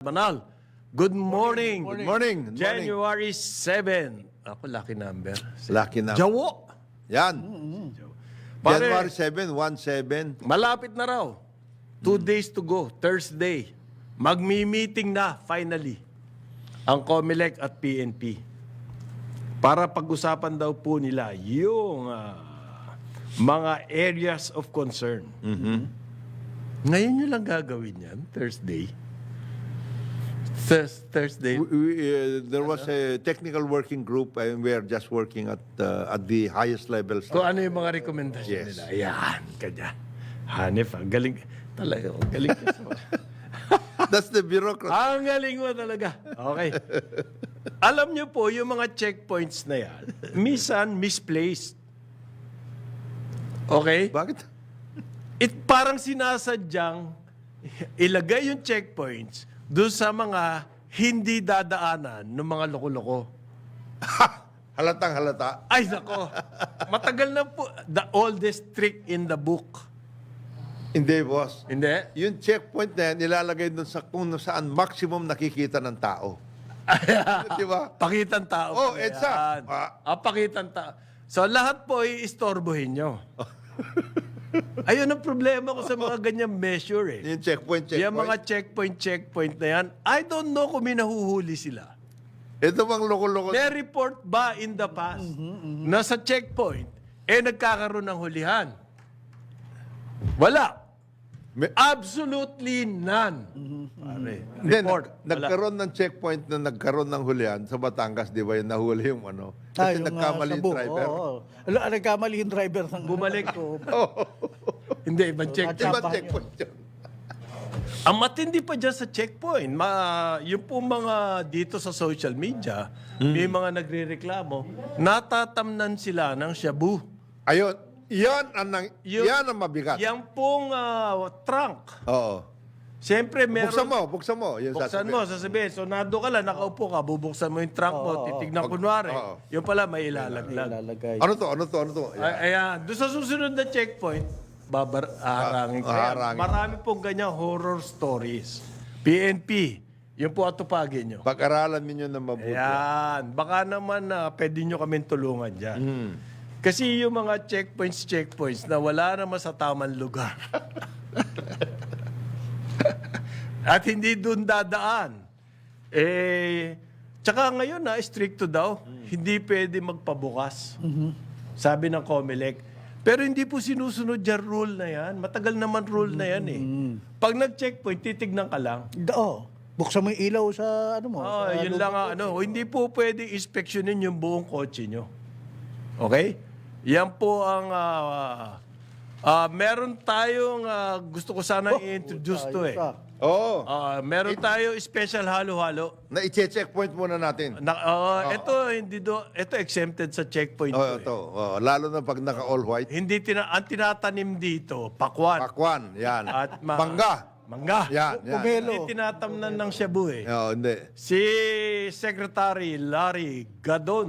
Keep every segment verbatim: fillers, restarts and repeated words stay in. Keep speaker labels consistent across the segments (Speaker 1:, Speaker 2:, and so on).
Speaker 1: Banal. Good morning.
Speaker 2: Good morning. Good morning.
Speaker 1: January seventh. Ako, lucky number.
Speaker 2: Lucky na.
Speaker 1: Jawo.
Speaker 2: Yan.
Speaker 1: Pare,
Speaker 2: January seventh, one seven.
Speaker 1: malapit na raw. Two days to go. Thursday. Magmi-meeting na, finally, ang COMELEC at P N P. Para pag-usapan daw po nila yung ah, mga areas of concern. Ngayon nyo lang gagawin yan, Thursday. Thurs- Thursday.
Speaker 2: We, we, uh, there was a technical working group and we are just working at uh, at the highest levels.
Speaker 1: Kung ano yung mga rekomendasyon
Speaker 2: Yes.
Speaker 1: nila. Ayan, kanya. Hanif, ang galing. Talaga, ang galing ka sa...
Speaker 2: That's the bureaucrat.
Speaker 1: Ang galing mo talaga. Okay. Alam niyo po, yung mga checkpoints na yan, minsan misplaced. Okay?
Speaker 2: Bakit?
Speaker 1: It parang sinasadyang ilagay yung checkpoints doon sa mga hindi dadaanan ng mga loko-loko.
Speaker 2: Halatang halata.
Speaker 1: Ay, nako. Matagal na po. The oldest trick in the book.
Speaker 2: Hindi, boss.
Speaker 1: Hindi?
Speaker 2: Yung checkpoint na yan, nilalagay doon sa kung saan maximum nakikita ng tao. Di ba?
Speaker 1: Pakitan tao.
Speaker 2: Oh,
Speaker 1: pala
Speaker 2: EDSA.
Speaker 1: yan.
Speaker 2: Ah.
Speaker 1: Ah, pakitan tao. So, lahat po i-istorbohin nyo. Ayun ang problema ko sa mga ganyang measure eh.
Speaker 2: Yung checkpoint, checkpoint.
Speaker 1: Yung mga checkpoint, checkpoint na yan, I don't know kung may nahuhuli sila.
Speaker 2: Ito bang loko-loko?
Speaker 1: May report ba in the past na sa checkpoint, eh nagkakaroon ng hulihan? Wala.
Speaker 2: May-
Speaker 1: Absolutely none. Pare,
Speaker 2: Hindi,
Speaker 1: report.
Speaker 2: nag-
Speaker 1: Wala.
Speaker 2: nagkaroon ng checkpoint na nagkaroon ng hulihan sa Batangas, di ba yung nahuli yung ano? Kasi
Speaker 3: yung,
Speaker 2: nagkamali
Speaker 3: ah,
Speaker 2: yung
Speaker 3: Cebu,
Speaker 2: driver.
Speaker 3: oo. Ala, nagkamali yung driver ng...
Speaker 1: Bumalik.
Speaker 3: Oo.
Speaker 1: Hindi, ibang checkpoint.
Speaker 2: Di ba
Speaker 3: Champagne
Speaker 2: checkpoint yun?
Speaker 1: Ang matindi pa dyan sa checkpoint, ma, yung po mga dito sa social media, may mga nagre-reklamo, natatamnan sila ng shabu.
Speaker 2: Ayun, yan ang, nang,
Speaker 1: Yung-
Speaker 2: yan ang mabigat.
Speaker 1: Yang pong ah, trunk,
Speaker 2: Oo.
Speaker 1: siyempre meron...
Speaker 2: Buksan mo, buksan mo. Yan
Speaker 1: Buksan
Speaker 2: sasabihin.
Speaker 1: mo, sasabihin. So, nado ka lang, nakaupo ka, bubuksan mo yung trunk mo, titignan kunwari.
Speaker 2: oo.
Speaker 1: Yung pala, may ilalaglag.
Speaker 3: Ilalagay.
Speaker 2: Ano to, ano to, ano to?
Speaker 1: Ay, ayan, doon sa susunod na checkpoint, babar, aharangin ka.
Speaker 2: Ah,
Speaker 1: Kaya
Speaker 2: haharangin.
Speaker 1: marami pong ganyan horror stories. P N P, yun po atupagin nyo.
Speaker 2: Pag-aralan ninyo na mabuti.
Speaker 1: Ayan, baka naman na pwede nyo kami tulungan dyan.
Speaker 2: Hmm.
Speaker 1: Kasi yung mga checkpoints, checkpoints na wala naman sa tamang lugar. At hindi doon dadaan. Eh, tsaka ngayon na, stricto daw. Hindi pwede magpabukas. Sabi ng COMELEC. Pero hindi po sinusunod yung rule na yan. Matagal naman rule na yan eh. Pag nag-checkpoint, titignan ka lang.
Speaker 3: Da- Oo. Buksan mo yung ilaw sa ano mo.
Speaker 1: Ah,
Speaker 3: sa
Speaker 1: yun
Speaker 3: loob
Speaker 1: lang
Speaker 3: ng
Speaker 1: ang ano. Hindi po pwede inspeksyonin yung buong kotse nyo. Okay? Yan po ang... ah, ah, meron tayong... ah, gusto ko sana i-introduce to eh.
Speaker 3: ayos, ah.
Speaker 2: Oo.
Speaker 1: Ah, meron tayo special halo-halo.
Speaker 2: Na i-checkpoint muna natin.
Speaker 1: Na, ah, ito hindi do, ito exempted sa checkpoint.
Speaker 2: Oo,
Speaker 1: to, eh.
Speaker 2: ito. Oo, lalo na pag naka-all white.
Speaker 1: Hindi tina, ang tinatanim dito, pakwan.
Speaker 2: Pakwan, yan.
Speaker 1: At ma-
Speaker 2: Bangga.
Speaker 1: Mangga.
Speaker 2: Yan, yan.
Speaker 3: Pomelo.
Speaker 1: Hindi tinatamnan ng shabu eh.
Speaker 2: Oo, hindi.
Speaker 1: Si Secretary Larry Gadon,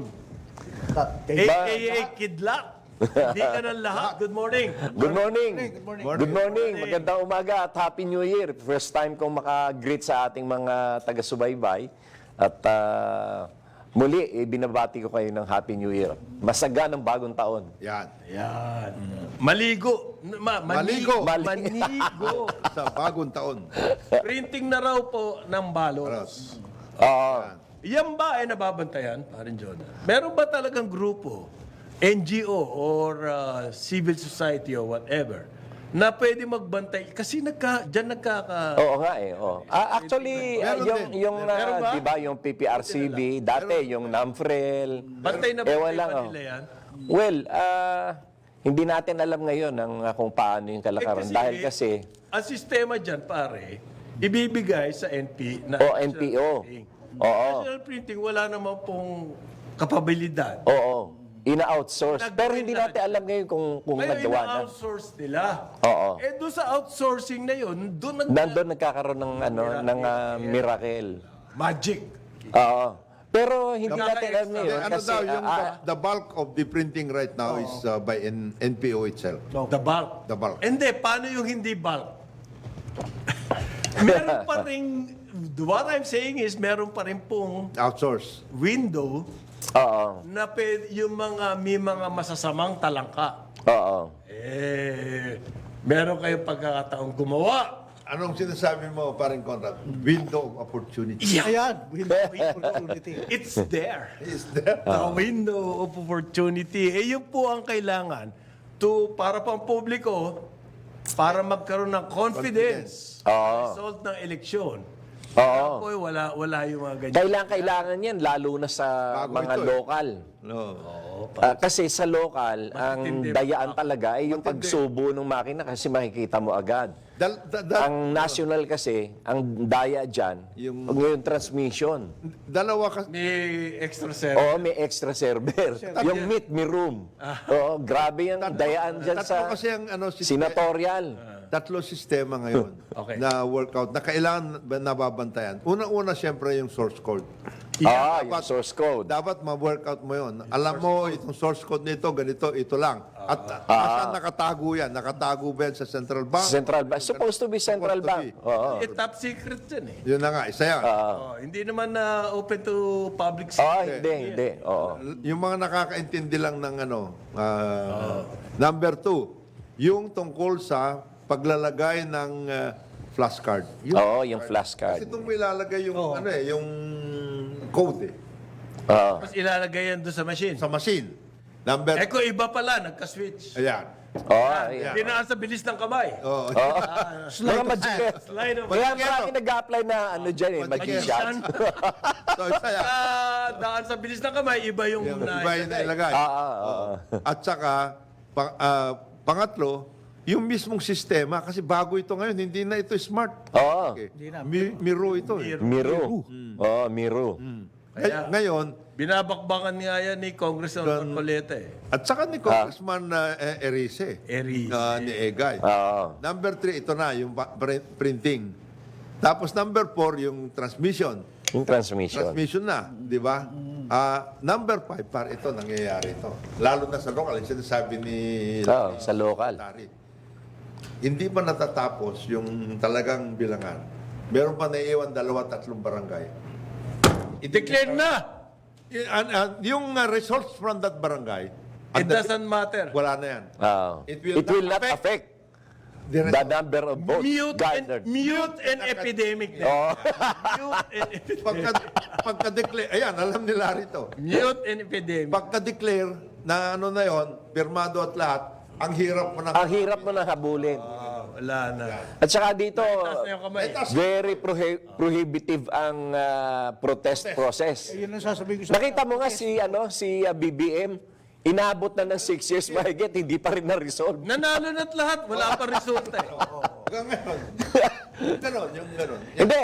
Speaker 3: Ta-
Speaker 1: A K A Kidlat. Hindi ka ng lahat. Good morning.
Speaker 4: Good morning.
Speaker 3: Good morning.
Speaker 4: Good morning. Magandang umaga at Happy New Year. First time kong maka-greet sa ating mga taga-subaybay. At ah, muli, eh, binabati ko kayo ng Happy New Year. Masaga ng bagong taon.
Speaker 2: Yan.
Speaker 1: Yan. Maligo. Ma-
Speaker 2: Maligo.
Speaker 1: Manigo. Manigo.
Speaker 2: Sa bagong taon.
Speaker 1: Printing na raw po ng ballots.
Speaker 4: Oo.
Speaker 1: Yan ba ay nababantayan, parin Jonah? Meron ba talagang grupo, N G O or uh, civil society or whatever, na pwede magbantay? Kasi nagka, dyan nagkaka...
Speaker 4: Oo nga eh. Oo. Ah, actually, ah,
Speaker 2: Meron
Speaker 4: yung,
Speaker 2: din.
Speaker 4: yung ah,
Speaker 1: Meron ba?
Speaker 4: di ba, yung P P R C B, dati yung NAMFREL.
Speaker 1: Bantay na bantay
Speaker 4: Ewan lang,
Speaker 1: ba
Speaker 4: oh.
Speaker 1: nila yan?
Speaker 4: Well, ah, hindi natin alam ngayon ang, ah, kung paano yung
Speaker 1: Eh,
Speaker 4: kalakaran. Dahil kasi,
Speaker 1: ang sistema dyan, pare, ibibigay sa N P na
Speaker 4: O, N P O.
Speaker 1: printing.
Speaker 4: Oo.
Speaker 1: National printing, wala naman pong kapabilidad.
Speaker 4: oo, ina-outsource.
Speaker 1: Nag-
Speaker 4: Pero hindi natin alam ngayon kung, kung
Speaker 1: Ngayon,
Speaker 4: nagawa na.
Speaker 1: ina-outsource nila.
Speaker 4: Oo.
Speaker 1: Eh, doon sa outsourcing na yun, doon nag-
Speaker 4: Nandun nagkakaroon ng ano ng ah, miracle.
Speaker 1: magic.
Speaker 4: Oo. Pero hindi
Speaker 1: Kapag
Speaker 4: natin alam
Speaker 1: extra-
Speaker 4: ngayon
Speaker 2: ano
Speaker 4: kasi
Speaker 2: daw, yung
Speaker 4: ah,
Speaker 2: the, the bulk of the printing right now is uh, by N- NPO itself.
Speaker 1: The bulk.
Speaker 2: The bulk.
Speaker 1: Hindi, paano yung hindi bulk? Meron pa rin what I'm saying is, meron pa rin pong
Speaker 2: Outsource.
Speaker 1: window
Speaker 4: Oo.
Speaker 1: na pwede, yung mga, may mga masasamang talangka.
Speaker 4: Oo.
Speaker 1: Eh, meron kayong pagkakataong gumawa.
Speaker 2: Anong sinasabi mo, paring Conrad? Window of opportunity.
Speaker 3: Ayan, with opportunity.
Speaker 1: It's there.
Speaker 2: Is there?
Speaker 1: The window of opportunity. Eh, yun po ang kailangan to, para pang publiko, para magkaroon ng confidence sa result ng eleksyon.
Speaker 4: Oo.
Speaker 1: Po, wala, wala yung mga ganyan.
Speaker 4: Kailangan, kailangan yan, lalo na sa
Speaker 2: Bago
Speaker 4: mga
Speaker 2: ito eh.
Speaker 4: lokal.
Speaker 2: No.
Speaker 4: Ah, kasi sa lokal, ang
Speaker 1: Matitindi.
Speaker 4: dayaan talaga ay yung
Speaker 2: Matindi.
Speaker 4: pagsubo ng makina kasi makikita mo agad.
Speaker 2: Dal, da, da-
Speaker 4: Ang national kasi, ang daya dyan,
Speaker 2: Yung-
Speaker 4: yung, yung transmission.
Speaker 2: dalawa kasi.
Speaker 1: May extra set.
Speaker 4: Oo, may extra server. yung meet me room. Oo, grabe yung dayaan dyan
Speaker 2: Tatlo
Speaker 4: sa
Speaker 2: kasi ang ano, sistema,
Speaker 4: senatorial.
Speaker 2: tatlo sistema ngayon
Speaker 1: Okay.
Speaker 2: na workout na kailangan ba- nababantayan. Unang-una, siyempre, yung source code.
Speaker 4: Ah, yung
Speaker 2: Dapat-
Speaker 4: source code.
Speaker 2: Dapat ma-workout mo yon. Alam mo, itong source code nito, ganito, ito lang. At nasaan nakatago yan? Nakatago ba yan sa central bank?
Speaker 4: Central bank. Supposed to be central
Speaker 2: Supposed to
Speaker 4: bank. Oo.
Speaker 1: Eh, top secret yan eh.
Speaker 2: Yun na nga, isa yan.
Speaker 1: Oh, hindi naman na open to public
Speaker 4: Ah,
Speaker 1: sector.
Speaker 4: hindi, hindi. Oo.
Speaker 2: Yung mga nakakaintindi lang ng ano. ah, Number two, yung tungkol sa paglalagay ng ah, flashcard. Yung,
Speaker 4: Oo, yung
Speaker 2: kasi
Speaker 4: flashcard.
Speaker 2: itong may ilalagay yung, ano eh, yung code eh,
Speaker 4: Oo.
Speaker 1: Tapos ilalagay yan doon sa machine.
Speaker 2: sa machine. Number,
Speaker 1: Eh kung iba pala, nagka-switch.
Speaker 2: ayan.
Speaker 4: Oo, ayan.
Speaker 1: Hindi na sa bilis ng kamay.
Speaker 2: Oh,
Speaker 4: Oo. Mga magician.
Speaker 1: Slide of
Speaker 4: Kaya marami nag-apply na ano dyan eh, magician.
Speaker 2: so, isa yan.
Speaker 1: Ah, daan sa bilis ng kamay, iba yung,
Speaker 2: Yung
Speaker 1: na
Speaker 2: iba yung nailagay.
Speaker 4: Ah, ah, ah.
Speaker 2: At saka, pang, ah, pangatlo, yung mismong sistema, kasi bago ito ngayon, hindi na ito smart.
Speaker 4: Oo.
Speaker 2: Okay.
Speaker 3: Hindi na.
Speaker 2: Mi- Miro ito. Eh.
Speaker 4: Miro. Oo, Miro.
Speaker 2: Ngay- Ngayon,
Speaker 1: Binabakbakan nga yan ni Congressman Marcoleta eh.
Speaker 2: at saka ni Congressman uh, Erice,
Speaker 1: Erice.
Speaker 2: uh, ni Egay.
Speaker 4: Oo.
Speaker 2: Number three, ito na, yung pa- print- printing. Tapos number four, yung transmission.
Speaker 4: Yung transmission.
Speaker 2: Transmission na, di ba? Ah, number five, par ito, nangyayari ito. Lalo na sa local, yung sinasabi ni...
Speaker 4: Oo, sa local.
Speaker 2: Secretary. Hindi pa natatapos yung talagang bilangan. Meron pa naiiwan dalawa, tatlong barangay.
Speaker 1: I-declare na!
Speaker 2: Y- an- an- yung uh, results from that barangay,
Speaker 1: It
Speaker 2: at the-
Speaker 1: doesn't matter.
Speaker 2: wala na yan.
Speaker 4: Oo.
Speaker 2: It will
Speaker 4: It will
Speaker 2: not
Speaker 4: not affect
Speaker 2: The
Speaker 4: the
Speaker 2: result.
Speaker 4: number of votes
Speaker 1: Mute and,
Speaker 4: gathered.
Speaker 1: mute and epidemic. din.
Speaker 4: Oo.
Speaker 1: Mute and epidemic.
Speaker 2: Pagka, pagka-declare, ayan, alam nila rito.
Speaker 1: Mute and epidemic.
Speaker 2: Pagka-declare na ano na yon, pirmado at lahat, ang hirap mo na.
Speaker 4: Ang hirap mo na habulin.
Speaker 1: Ah, wala na.
Speaker 4: At saka dito,
Speaker 1: Taas na yung kamay.
Speaker 4: very prohi- prohibitive ang ah, protest process.
Speaker 3: Eh, yun ang sasabihin ko sa...
Speaker 4: Nakita mo nga si ano si ah, B B M, inabot na ng six years mahigit, hindi pa rin na-resolve.
Speaker 1: Nanalo na't lahat. Wala pa resulta eh.
Speaker 2: Hanggang ngayon. Ganon, yung ganon.
Speaker 4: Hindi,